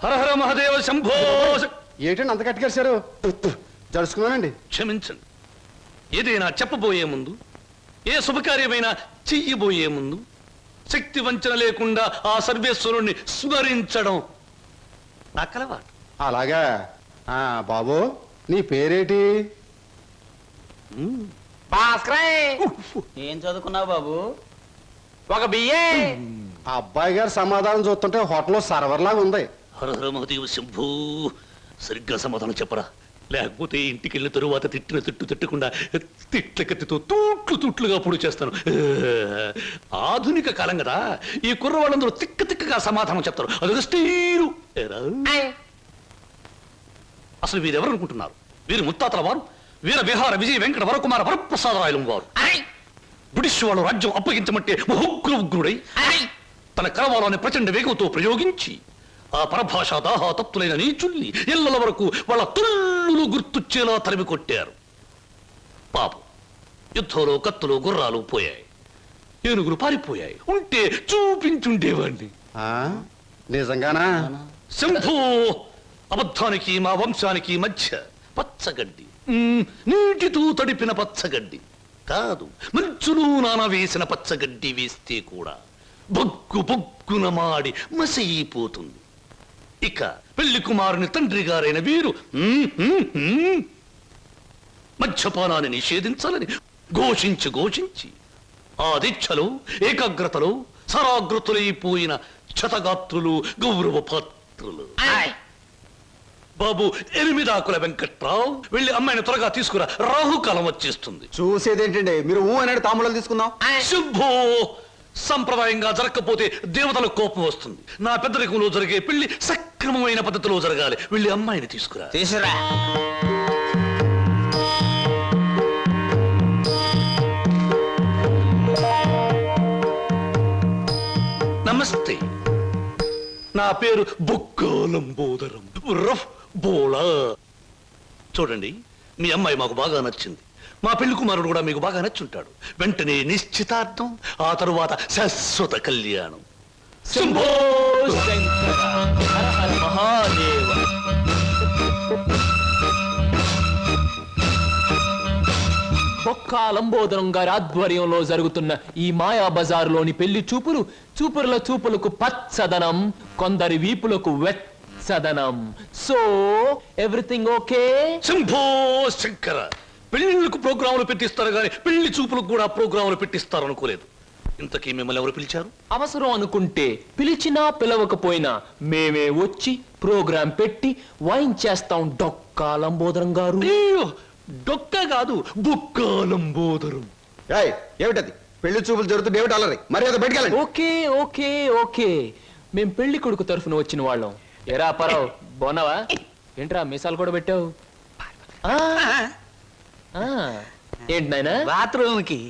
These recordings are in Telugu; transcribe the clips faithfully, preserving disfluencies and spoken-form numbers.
హర హర మహాదేవ శంభో. ఏంటండి అంత కట్టుకేశారు? జరుచుకున్నానండి. క్షమించండి. ఏదైనా చెప్పబోయే ముందు, ఏ శుభకార్యమైనా చెయ్యబోయే ముందు శక్తి వంచన లేకుండా ఆ సర్వేశ్వరుణ్ణి స్మరించడం నా కలవాటు. అలాగా. ఆ బాబు, నీ పేరేటి? ఏం చదువుకున్నావు బాబు? ఒక బియ్యే. ఆ అబ్బాయి గారు సమాధానం చూస్తుంటే హోటల్లో సర్వర్ లాగా ఉంది. హర హర మహాదేవ శంభూ. సరిగ్గా సమాధానం చెప్పరా, లేకపోతే ఇంటికి వెళ్ళిన తరువాత తిట్టిన తిట్టు తిట్టకుండా తిట్ల కత్తితో తూట్లు తూట్లుగా పొడి చేస్తాను. ఆధునిక కాలం కదా, ఈ కుర్రవాళ్ళందరూ తిక్క తిక్కగా సమాధానం చెప్తారు. అదొక స్టీరు. అసలు వీరెవరు అనుకుంటున్నారు? వీరు ముత్తాతల వారు వీర విహార విజయ వెంకట వరకుమార వరప్రసాదరాయలు వారు. బ్రిటిష్ వాళ్ళు రాజ్యం అప్పగించమంటే ఉగ్ర ఉగ్రుడై తన కరవాలని ప్రచండ వేగంతో ప్రయోగించి ఆ పరభాషా దాహాతత్తులైన నీచుల్ని ఇళ్ల వరకు వాళ్ళ తుల్లులు గుర్తుచ్చేలా తరిమి కొట్టారు. పాపం, యుద్ధంలో కత్తులు గుర్రాలు పోయాయి, ఏనుగులు పారిపోయాయి. ఉంటే చూపించుండేవాడిని. నిజంగానా? శంభూ. అబద్ధానికి మా వంశానికి మధ్య పచ్చగడ్డి, నీటితో తడిపిన పచ్చగడ్డి కాదు, మంచును నాన వేసిన పచ్చగడ్డి వేస్తే కూడా బొగ్గు బొగ్గున మాడి మసైపోతుంది. ఇక పెళ్లి కుమారుని తండ్రి గారైన వీరు మద్యపానాన్ని నిషేధించాలని ఘోషించి ఘోషించి ఆ దీక్షలో ఏకాగ్రతలో సరాగ్రతులైపోయిన క్షతగాత్రులు, గౌరవ పాత్రులు. బాబు, ఎనిమిదాకుల వెంకట్రావు, వెళ్ళి అమ్మాయిని త్వరగా తీసుకురా, రాహుకాలం వచ్చేస్తుంది. చూసేదేంటండి, మీరు ఊ అన్నాడు తాములు తీసుకుందాం. శుభో. సంప్రదాయంగా జరగకపోతే దేవతలకు కోపం వస్తుంది. నా పెద్దరికంలో జరిగే పెళ్లి సక్రమమైన పద్ధతిలో జరగాలి. వెళ్ళి అమ్మాయిని తీసుకురా. తీసురా. నమస్తే, నా పేరు బొక్కాలంబోదరం రఫ్ బోళా. చూడండి, మీ అమ్మాయి మాకు బాగా నచ్చింది. మా పెళ్లి కుమారుడు కూడా మీకు బాగా నచ్చుంటాడు. వెంటనే నిశ్చితార్థం, ఆ తరువాత శాశ్వత కళ్యాణం. శంభో శంకర హర హర మహాదేవ. బొక్కాలంబోదరం గారి ఆధ్వర్యంలో జరుగుతున్న ఈ మాయా బజారులోని పెళ్లి చూపులు చూపుల చూపులకు పచ్చదనం, కొందరి వీపులకు వెచ్చదనం. So everything okay? Shambho Shankara. పెళ్లిళ్ళకు ప్రోగ్రాములు పెట్టిస్తారు కానీ పెళ్లి చూపులకు కూడా ప్రోగ్రాములు పెట్టిస్తారు అనుకోలేదు. ఇంతకీ మిమ్మల్ని ఎవరు పిలిచారు? అవసరం అనుకుంటే పిలిచినా పిలవకపోయినా మేమే వచ్చి ప్రోగ్రాం పెట్టి వైన్ చేస్తాం. డొక్కాలంబోదరం గారు. డొక్క కాదు, బొక్కాలంబోదరం. ఏమిటది? పెళ్లి చూపులు జరుగుతుంది, ఏమిటి అలరి? మరి అది బయటకెళ్ళండి. ఓకే ఓకే ఓకే మేం పెళ్లి కొడుకు తరఫున వచ్చిన వాళ్ళం. ఎరా పరావు, బాగున్నావా? ఏంట్రా మీసాలు కూడా పెట్టావు? ఏంటి నాయనా? బాత్రూమ్ కి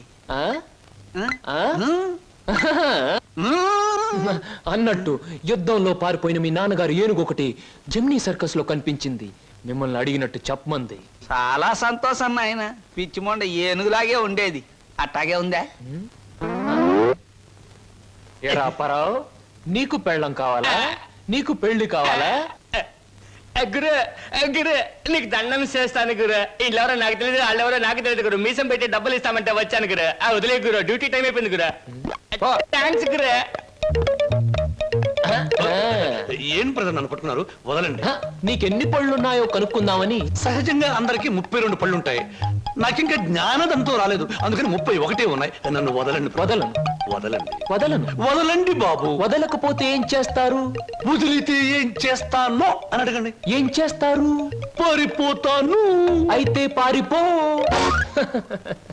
అన్నట్టు యుద్ధంలో పారిపోయిన మీ నాన్నగారు ఏనుగు ఒకటి జమ్నీ సర్కస్ లో కనిపించింది. మిమ్మల్ని అడిగినట్టు చెప్పమంది. చాలా సంతోషం నాయన. పిచ్చి మొండ ఏనుగులాగే ఉండేది, అట్టాగే ఉందా? ఎరా పరావు, నీకు పెళ్ళం కావాలా? నీకు పెళ్లి కావాలా? గురు గురు నీకు దండం చేస్తాను గురు. వీళ్ళెవరో నాకు తెలియదు, వాళ్ళెవరో నాకు తెలియదు గురు. మీసం పెట్టి డబ్బులు ఇస్తామంటే వచ్చాను గురు. ఆ వదిలే గురు, డ్యూటీ టైం అయిపోయింది గురు. థ్యాంక్స్ గురు. ఏం ప్రజలు నన్ను పట్టుకున్నారు? వదలండి. నీకెన్ని పళ్ళున్నాయో కనుక్కుందామని. సహజంగా అందరికి ముప్పై రెండు పళ్ళుంటాయి. నాకింకా జ్ఞానదంతో రాలేదు, అందుకని ముప్పై ఒకటే ఉన్నాయి. నన్ను వదలండి. వదలను వదలండి. వదలను వదలండి బాబు. వదలకపోతే ఏం చేస్తారు? వదిలితే ఏం చేస్తానో అని అడగండి. ఏం చేస్తారు? పారిపోతాను. అయితే పారిపో.